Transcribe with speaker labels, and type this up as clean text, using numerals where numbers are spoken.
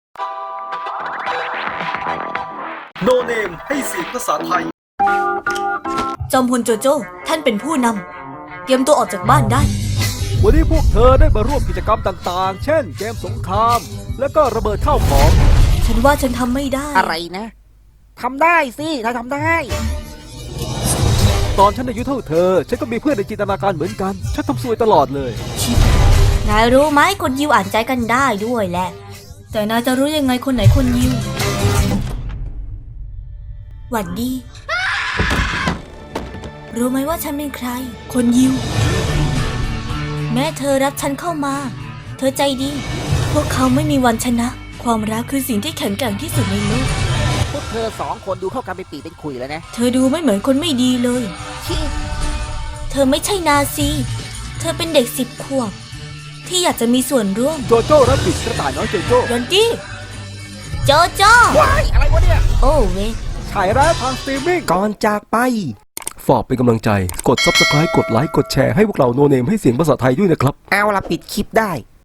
Speaker 1: โนเนมให้เสียงภาษาไทย
Speaker 2: จอมพลโจโจ้ท่านเป็นผู้นำเตรียมตัวออกจากบ้านได้
Speaker 3: วันนี้พวกเธอได้มาร่วมกิจกรรมต่างๆ เช่นเกมสงคราม และก็ระเบิดข้าวของ
Speaker 2: ฉันว่าฉันทำไม่ได้
Speaker 4: อะไรนะทำได้สิถ้าทำได้
Speaker 3: ตอนฉันอายุเท่าเธอ ฉันก็มีเพื่อนในจินตนาการเหมือนกัน ฉันทำซวยตลอดเลย
Speaker 2: นายรู้ไหมคนยิวอ่านใจกันได้ด้วยแหละ แต่นายจะรู้ยังไงคนไหนคนยิว หวัดดี รู้ไหมว่าฉันเป็นใคร คนยิว แม้เธอรับฉันเข้ามา เธอใจดี พวกเขาไม่มีวันชนะ ความรักคือสิ่งที่แข็งแกร่งที่สุดในโลก
Speaker 4: พวกเธอสองคนดูเข้ากันเป็นปีเป็นขุยแล้วนะ
Speaker 2: เธอดูไม่เหมือนคนไม่ดีเลย
Speaker 4: ชิ
Speaker 2: เธอไม่ใช่นาซี เธอเป็นเด็ก10 ขวบ ที่อยากจะมีส่วนร่วม
Speaker 3: โจโจ้รับบิดกระต่ายน้อยโจโจ้
Speaker 2: ยอนจี้โจโจ้
Speaker 4: ว้ายอะไรวะเนี่ย
Speaker 2: โอ้เวย
Speaker 3: ฉายร้ายทางสตรีมมิ่ง
Speaker 5: ก่อนจากไป
Speaker 3: ฝากเป็นกำลังใจ กด Subscribe กดไลค์ กดแชร์ให้พวกเราโนเนมให้เสียงภาษาไทยด้วยนะครับ
Speaker 5: เอาละปิดคลิปได้